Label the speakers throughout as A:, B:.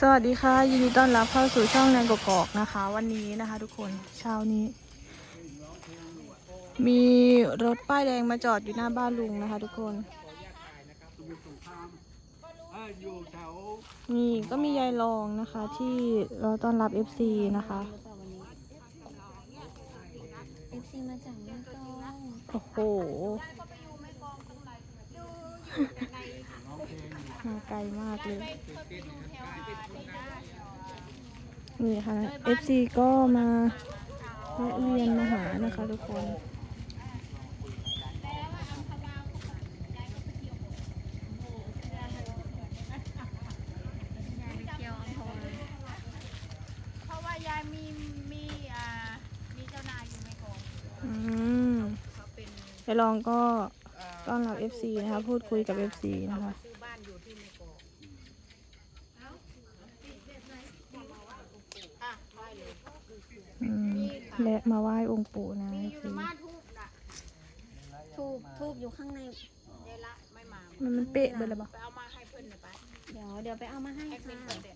A: สวัสดีค่ะยินดีต้อนรับเข้าสู่ช่องแนนกกอกนะคะ วันนี้นะคะทุกคนเช้านี้ มีรถป้ายแดงมาจอดอยู่หน้าบ้านลุงนะคะ ทุกคนนี่ก็มียายรองนะคะที่เราต้อนรับ FC นะคะ
B: FC มาจากแม่กลอง
A: โอ้โหมาไกลมากเลยนี่ค่ะ FC ก็มาแวะเวียนมาหานะคะทุกคน
C: เพราะว่ายายมีเจ้านายอยู่ในกอง เขาเป็น
A: ยายรองก็ต้อนรับ FC นะคะพูดคุยกับ FC นะคะ
C: ซื้อบ้านอยู่ที่ในกองอ่ะไหว้เลย
A: และมาไหว้องค์ปู่นะ
C: มีอยู่
A: FC
C: ในบ้านทูบน่ะ
B: ทูบอยู่ข้างใน
C: ยายละไม่มา
A: มันเป๊ะไปเลยปะ
C: ไปเอามาให้เพื่อนหน่อยไป
B: เดี๋ยวไปเอามาให้
C: แอดมิ
B: ค่ะ
C: นเด็ด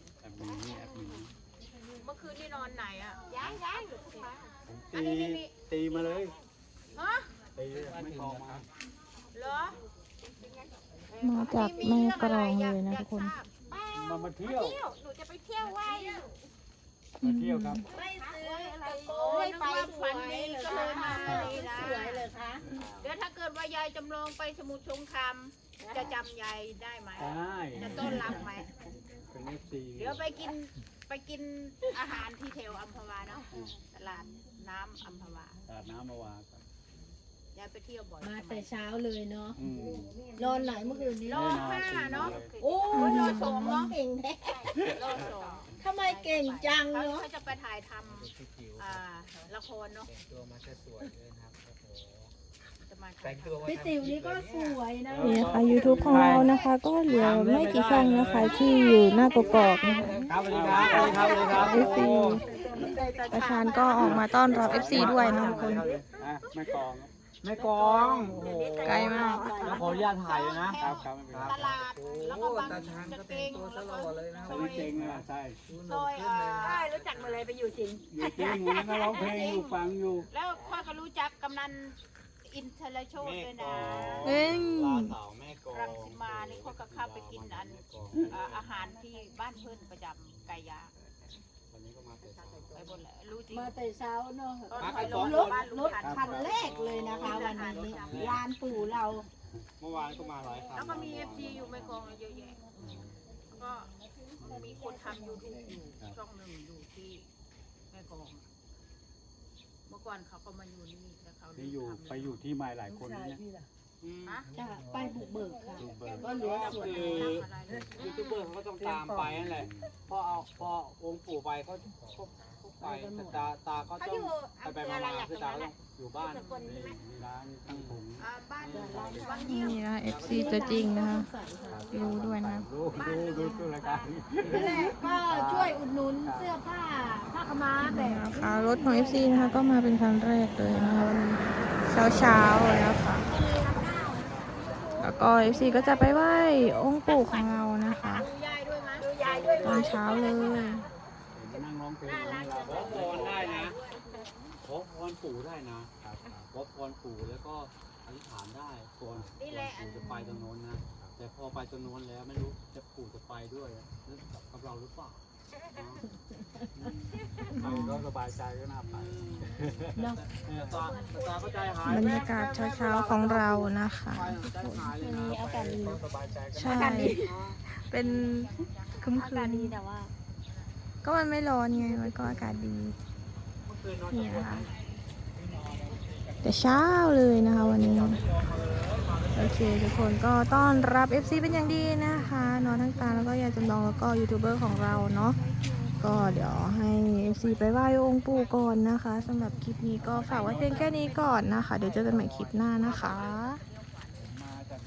C: เมื่อคืนนี่นอนไหนอ่ะย้ายอยู่ที่บ้าน
D: ตีมาเลย
C: ฮะ
D: ตีไม่พอมา
C: เหรอ
A: มาจากแม่กรองเลยนะทุกคน
D: มาเที่ยว
C: หนูจะไปเที่ยวไว้
D: มาเที่ยวครับ
C: ไม่ซื้ออะไรโอ้ยไปฝันดีก็เลยมาเลยนะ
B: สวยเลยคะ
C: เดี๋ยวถ้าเกิดว่ายายจำลองไปสมุทรสงครามจะจำยายได้ไหม
D: ได้
C: จะต้อนรับไหม
D: เป็นเอฟซี
C: เดี๋ยวไปกินอาหารที่แถวอัมพวาเนาะตลาดน้ำอัมพวา
D: ตาดน้ำมาวางครับ
C: ยายไปเที่ยวบ่อย
B: มาแต่เช้าเลยเนาะ
D: อืม
B: นอนไหนเมื่อคืนนี้
C: รอ5เนาะ
B: โอ้ยนอนสองเนาะเก่งแท้
C: รอ2
B: ทำไมเก่งจัง
C: เขา
B: เนาะ
C: จะไปถ่ายทำละครเนาะ
E: ตัวมาจะสวยเลยนะครับโอ้โห
C: จะมา
E: แต่
C: ถ่าย
E: งตัวมา
B: พี่ติ๋วนี่ก็สวยนะ
A: นี่นะคะ YouTube ของเรานะคะ ก็เหลือไม่กี่ช่องนะคะที่อยู่หน้ากกอกนะคะ
D: ครับสวัสดีครับสวัสดีครับสวัสดีครับ
A: FC ประธานก็ออกมาต้อนรับ FC ด้วยนะทุกคน
D: แม่กอง
E: แม่กองโอ้โห
A: ไกลมาก
E: ขออนุญาตถ่ายเลยนะครับ
D: ครับไม่เป็นไร
C: ตลาดแล้วก็บาง
E: ตาชานก็
C: กางเก
E: แต่ง
C: ง
E: ตัว
C: แล้ว
E: ต
C: ก็
E: ลอดเลยนะ
D: ใช่จริงนะใช่
C: ซอยรู้จักมาเลยไปอยู่จริง
D: อยู่จริงวันนี้ก็ร้องเพลงอยู่ฟังอยู่
C: แล้วค่อยก็รู้จักกำนันอินเทอร์โชดด้วยนะ
A: เอ้ย
E: สาวแม่กอง
C: รังสิมานี่ค่อยก็เข้าไปกินอาหารที่บ้านเพื่อนประจำไก่ย่าง
D: วันนี้ก็มาแต่เช้า
C: ไปบนแหละรู้จริง
B: มาแต่เช้าเนาะ
C: ตอนถอยลง
B: รถ
C: บ้าน
B: ร
C: ลุง
B: ถ
C: ทัน
B: คันแรกเลยนะคะวันนี้ลานปู่เรา
D: เมื่อวานก็มาหลายครั้ง
C: แล้วก็มีเอฟซีอยู่ไม่กองเยอะแยะก็มีคนทำยูทูบอยู่ช่องหนึ่งอยู่ที่แม่กองเมื่อก่อนเขาก็มาอยู่นี่แล้วเขา
D: นี่อยู่ไปอยู่ที่ใหม่หลายคนนี่นะ
C: ฮะ
B: จะไปบุกเบิกค่ะ
D: ดูเบิร์
B: ก็เหลือส่วน
E: คือ
C: อะไร
E: ยูทูบเบอร์เขาก็ต้องตามไปนั่นแหละพอองค์ปู่ไปเขาไปแต่ตาก็
C: เขา
E: ต้
C: อ
E: อง
C: ยู่
E: ไป
C: อำเภออะไร
E: มา
C: อย่าง
E: คือ
C: ตร
E: ตาง
C: นั้น
E: ก็
C: น่ะ
E: ต้องอยู่บ้าน
D: นี่มีร้านตั้งผม
C: บ้านบาง
A: นี่
C: ยี่
A: นะ FC ตัวจริงนะคะรู้ด้วยนะ
D: ดูรายการนี้
B: นั่นแหละก็ช่วยอุดหนุนเสื้อผ้าผ้าขาวม้าแบบ
A: นะคะรถของ FC นะคะก็มาเป็นครั้งแรกเลยนะคะวันนี้เช้าเลยนะคะแล้วก็ FC ก็จะไปไหว้องค์ปู่ของเรานะคะ
C: ดูยายด้วยมั้ยดูยายด้วย
A: ตอนเช้าเลย
D: นั่งร้องเพลง
E: ขอพรได้นะขอพรปู่ได้นะขอพรปู่แล้วก็อธิษฐานได้ก่อนปู่จะไปตรงโน้นนะ แต่พอไปตรงโน้นแล้วไม่รู้จะปู่จะไปด้วยแล้วกับเราหรือเปล่า
D: ไปก็สบายใจก็น่าไป
E: ตาก็ใจหาย
A: บรรยากาศเช้าๆของเรานะคะ
E: ใจหายเลยนะ
B: มีอากาศดี
D: ก็สบายใจก็
A: ใช่เป็นคึม
B: อากาศดีแต่ว่า
A: ก็มันไม่ร้อนไงมันก็อากาศดี
E: เมื่อคืนนอน
A: นี่นะคะแต่เช้าเลยนะคะวันนี้โอเคทุกคนก็ต้อนรับ FC เป็นอย่างดีนะคะน้องทั้งตาแล้วก็ยายจำลองแล้วก็ยูทูบเบอร์ของเราเนาะก็เดี๋ยวให้ FC ไปไหว้องค์ปู่ก่อนนะคะสำหรับคลิปนี้ก็ฝากไว้เพียงแค่นี้ก่อนนะคะเดี๋ยวเจอกันใหม่คลิปหน้านะคะ